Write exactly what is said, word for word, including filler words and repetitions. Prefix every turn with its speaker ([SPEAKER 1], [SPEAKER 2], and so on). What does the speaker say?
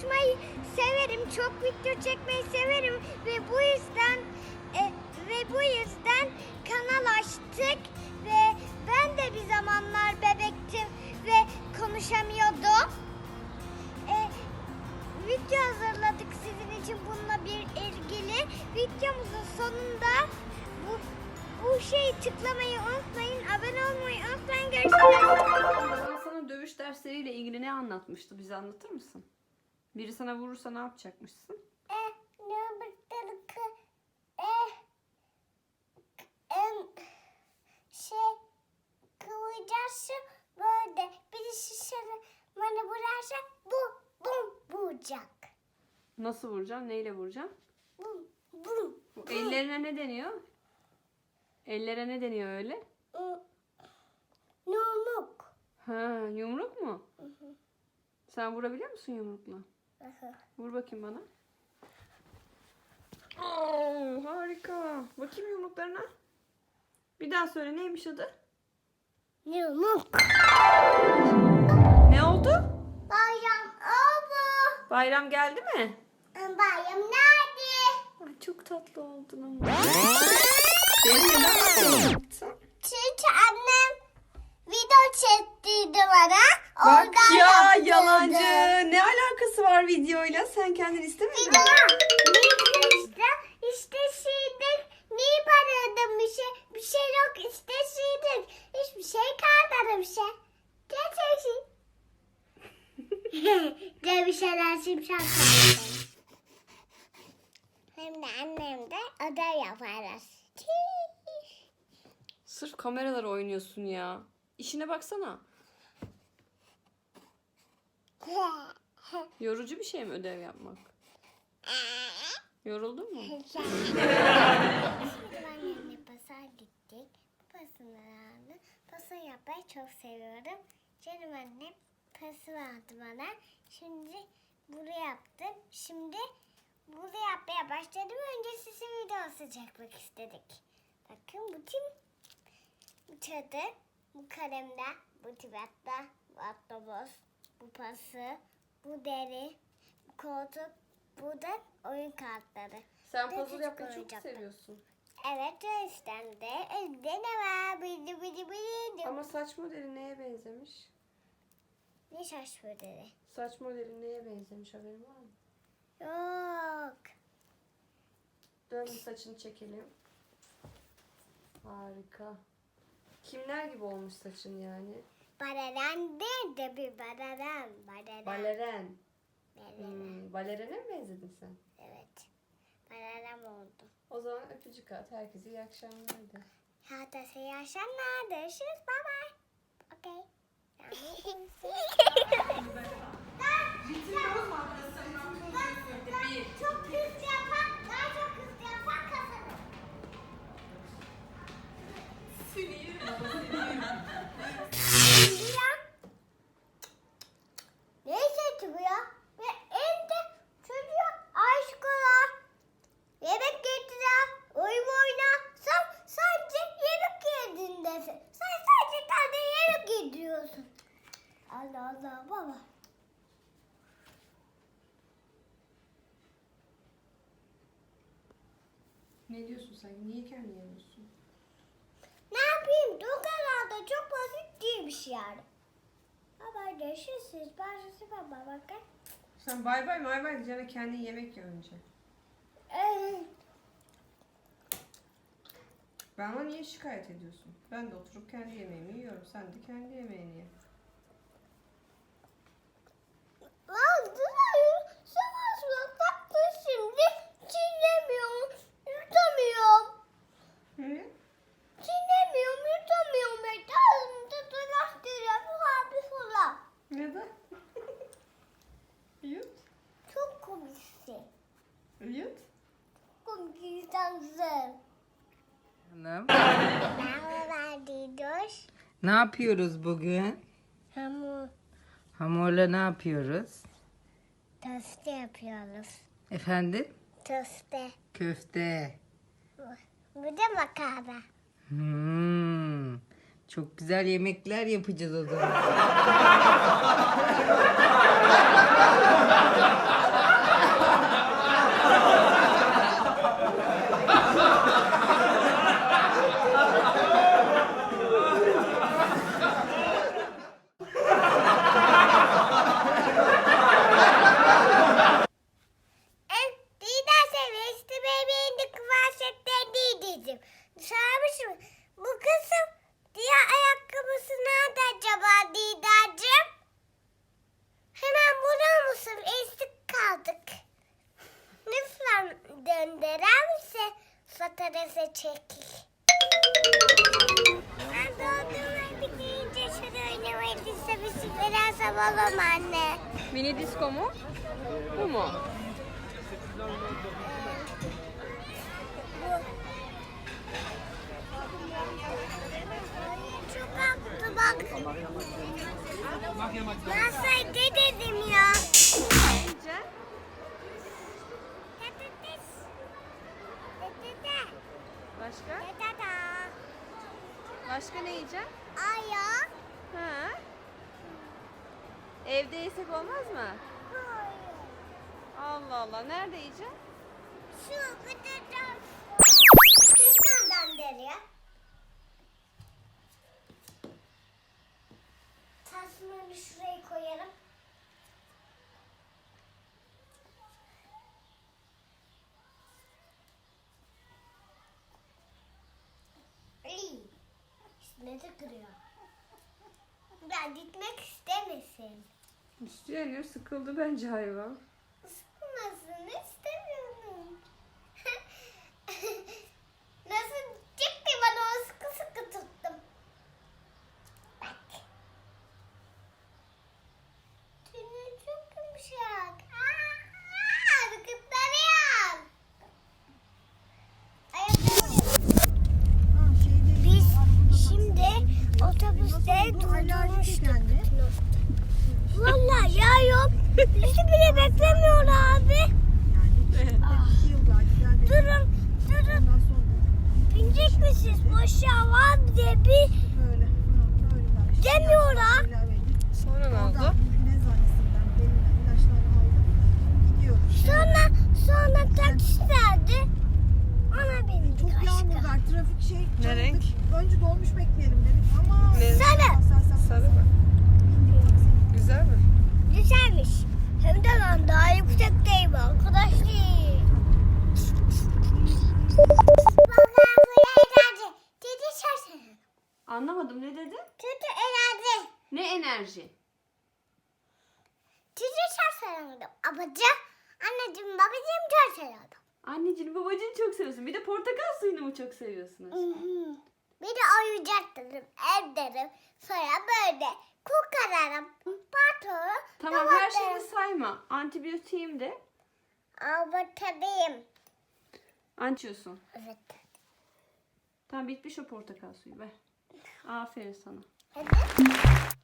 [SPEAKER 1] konuşmayı severim. Çok video çekmeyi severim ve bu yüzden e, ve bu yüzden kanal açtık ve ben de bir zamanlar bebektim ve konuşamıyordum. E, video hazırladık sizin için bununla bir ilgili. Videomuzun sonunda bu bu şeyi tıklamayı unutmayın. Abone olmayı unutmayın. Görüşürüz.
[SPEAKER 2] Ben sana dövüş dersleriyle ilgili ne anlatmıştı? Bize anlatır mısın? Biri sana vurursa ne yapacakmışsın?
[SPEAKER 1] E, ne yapacaktık? E, em, şey kıvıracaksın böyle. Birisi sana bana vurarsa bu bum vuracak.
[SPEAKER 2] Nasıl vuracaksın? Neyle vuracaksın?
[SPEAKER 1] Bum bum.
[SPEAKER 2] Bu ellerine ne deniyor? Ellere ne deniyor öyle?
[SPEAKER 1] Yumruk.
[SPEAKER 2] Ha, yumruk mu? Sen vurabiliyor musun yumrukla? Vur bakayım bana. Oo, harika. Bakayım yumruklarına. Bir daha söyle, neymiş adı?
[SPEAKER 1] Yumruk.
[SPEAKER 2] Ne oldu?
[SPEAKER 1] Bayram oldu.
[SPEAKER 2] Bayram geldi mi?
[SPEAKER 1] Bayram nerede?
[SPEAKER 2] Ay, çok tatlı oldun ama. Benim neden yaptın?
[SPEAKER 1] Çünkü annem video çektirdi bana.
[SPEAKER 2] Bak
[SPEAKER 1] Oradan
[SPEAKER 2] ya
[SPEAKER 1] yaptırdı.
[SPEAKER 2] yalancı. Ne alakası var videoyla? Sen kendin istemedin mi?
[SPEAKER 1] Video işte işte şeydik. Niye paradım bir şey? Bir şey yok işte şeydik. Hiçbir şey kalmadı bir şey. Gerçekten. De bir şeyler şimşek kalmadı. Hem de annem de ödev yaparız.
[SPEAKER 2] Sırf kameralara oynuyorsun ya. İşine baksana. Yorucu bir şey mi ödev yapmak? Yoruldun mu?
[SPEAKER 1] Şimdi annemle pasa gittik. Pasını aldı. Pasa yapmayı çok seviyorum. Canım annem pası vardı bana. Şimdi bunu yaptım. Şimdi bunu yapmaya başladım. Önce size videosu çekmek istedik. Bakın bu tim bu çadır, bu kalemde, bu tibatta, bu atlabos, bu pası, bu deri, bu koltuk, bu da oyun kartları.
[SPEAKER 2] Sen
[SPEAKER 1] Bir de
[SPEAKER 2] puzzle
[SPEAKER 1] çocuk
[SPEAKER 2] yapmayı çok
[SPEAKER 1] oyuncakları.
[SPEAKER 2] seviyorsun.
[SPEAKER 1] Evet, o yüzden de elde ne var? Bidi bidi bidi.
[SPEAKER 2] Ama saç modeli neye benzemiş?
[SPEAKER 1] Ne şaş modeli?
[SPEAKER 2] Saç modeli neye benzemiş, haberin var mı?
[SPEAKER 1] Yok.
[SPEAKER 2] Dön bir saçını çekelim. Harika. Kimler gibi olmuş saçın yani?
[SPEAKER 1] Baleren değil de bir baleren. Baleren.
[SPEAKER 2] Baleren.
[SPEAKER 1] Baleren.
[SPEAKER 2] Hmm, balerene mi benzedin sen?
[SPEAKER 1] Evet. Baleren oldu.
[SPEAKER 2] O zaman öpücük at. Herkese iyi akşamlar de.
[SPEAKER 1] Haftası yaşanlar. Görüşürüz. Bye bye. Okay. Çok hızlı yapan, daha çok hızlı yapan kazanır. Şimdi ya. Ne sesi bu ya? Ve evde çocuğa aşkola, yemek getire, oyun oyna. Sen sadece yemek yedindesin. Sen sadece tane yemek yediriyorsun. Allah Allah baba.
[SPEAKER 2] Ne diyorsun sen? Niye kendini yemiyorsun?
[SPEAKER 1] Ne yapayım? Dokalarda çok basit değil bir şey yani. Baba görüşürüz. Ben size baba bakın.
[SPEAKER 2] Sen bay bay bay bay diyeceğine kendin yemek ye önce.
[SPEAKER 1] Evet.
[SPEAKER 2] Bana niye şikayet ediyorsun? Ben de oturup kendi yemeğimi yiyorum. Sen de kendi yemeğini ye.
[SPEAKER 1] Lan dur. Savaşma tatlı şimdi. Çiğnemiyorum. Yutamıyorum.
[SPEAKER 2] Hı?
[SPEAKER 1] Çiğnemiyorum. Yutamıyorum. Ağzımda dolaştırıyor. Bu abi falan.
[SPEAKER 2] Neden? Yut.
[SPEAKER 1] Çok komiksin.
[SPEAKER 2] Yut.
[SPEAKER 1] Komik insansın.
[SPEAKER 3] Hanım.
[SPEAKER 1] Merhaba Didoş.
[SPEAKER 3] Ne yapıyoruz bugün?
[SPEAKER 1] Hamur
[SPEAKER 3] Hamurla ne yapıyoruz?
[SPEAKER 1] tostu yapıyoruz.
[SPEAKER 3] Efendim?
[SPEAKER 1] Tostu.
[SPEAKER 3] Köfte.
[SPEAKER 1] Bu da makarna.
[SPEAKER 3] Hmm, Çok güzel yemekler yapacağız o zaman.
[SPEAKER 1] En Didem seviyesi bebeğin de kıvaşetten diyeceğim. Sormuşum. Bu kızım diğer ayakkabısı nerede acaba Didacığım? Hemen bulur musun? Eksik kaldık. Lütfen döndürer misin? Fotoğrafı çekil. Ben dondurmayı bitince şunu oynamayı istemişim. Biraz havalı mı anne?
[SPEAKER 2] Mini disco mu? Bu mu?
[SPEAKER 1] Çok haklı bak. Ben sana ne dedim ya?
[SPEAKER 2] Ne yiyeceksin?
[SPEAKER 1] Patates. Patates.
[SPEAKER 2] Başka?
[SPEAKER 1] Patates.
[SPEAKER 2] Başka ne yiyeceksin?
[SPEAKER 1] Aya.
[SPEAKER 2] Ha? Evde yesek olmaz mı?
[SPEAKER 1] Hayır.
[SPEAKER 2] Allah Allah. Nerede yiyeceksin?
[SPEAKER 1] Şu patates. Nereden deriyor? Tasmanı şuraya koyarım. İyi. Üstüne de kırıyor. Ben gitmek istemesin.
[SPEAKER 2] İstiyor, sıkıldı bence hayvan.
[SPEAKER 1] Sıkılmasını istemiyorum. Nasıl çıktı bana o sıkı sıkı tuttum. Bak. Tüyü çok yumuşak. Aa, kıplarıyor. Biz şimdi otobüste durdurmuştuk. Vallahi ya yok. Bizi bile beklemiyor abi. Durun, durun. Binecek misiniz? Boşa var diye bir demiyorlar.
[SPEAKER 2] Sonra ne oldu?
[SPEAKER 1] Sonra, sonra taksi verdi. Ona bindik
[SPEAKER 4] Çok yağmur
[SPEAKER 1] aşkım.
[SPEAKER 4] var. Trafik şey.
[SPEAKER 2] Ne renk?
[SPEAKER 4] Önce dolmuş bekleyelim dedik ama
[SPEAKER 2] Ne?
[SPEAKER 1] Sarı.
[SPEAKER 2] Sarı mı?
[SPEAKER 4] bindik taksiye.
[SPEAKER 2] Güzel mi?
[SPEAKER 1] Güzelmiş. Hem de ben daha yüksekteyim arkadaşlar. Bakalım bu enerji. Dedi şaşırın.
[SPEAKER 2] Anlamadım, ne dedi?
[SPEAKER 1] Kötü enerji.
[SPEAKER 2] Ne enerji?
[SPEAKER 1] Sizi çok seviyorum. Babacığım, anneciğim, babacığım çok seviyorum.
[SPEAKER 2] Anneciğini babacığını çok seviyorsun. Bir de portakal suyunu mu çok seviyorsunuz?
[SPEAKER 1] Bir de oyuncak derim, ev derim. Sonra böyle kokararım, patron.
[SPEAKER 2] Tamam, her şeyi sayma. Antibiyotiğim de.
[SPEAKER 1] Abatadayım.
[SPEAKER 2] Antiyorsun.
[SPEAKER 1] Evet.
[SPEAKER 2] Tamam, bitmiş o portakal suyu. Ver. Aferin sana.
[SPEAKER 1] Hadi.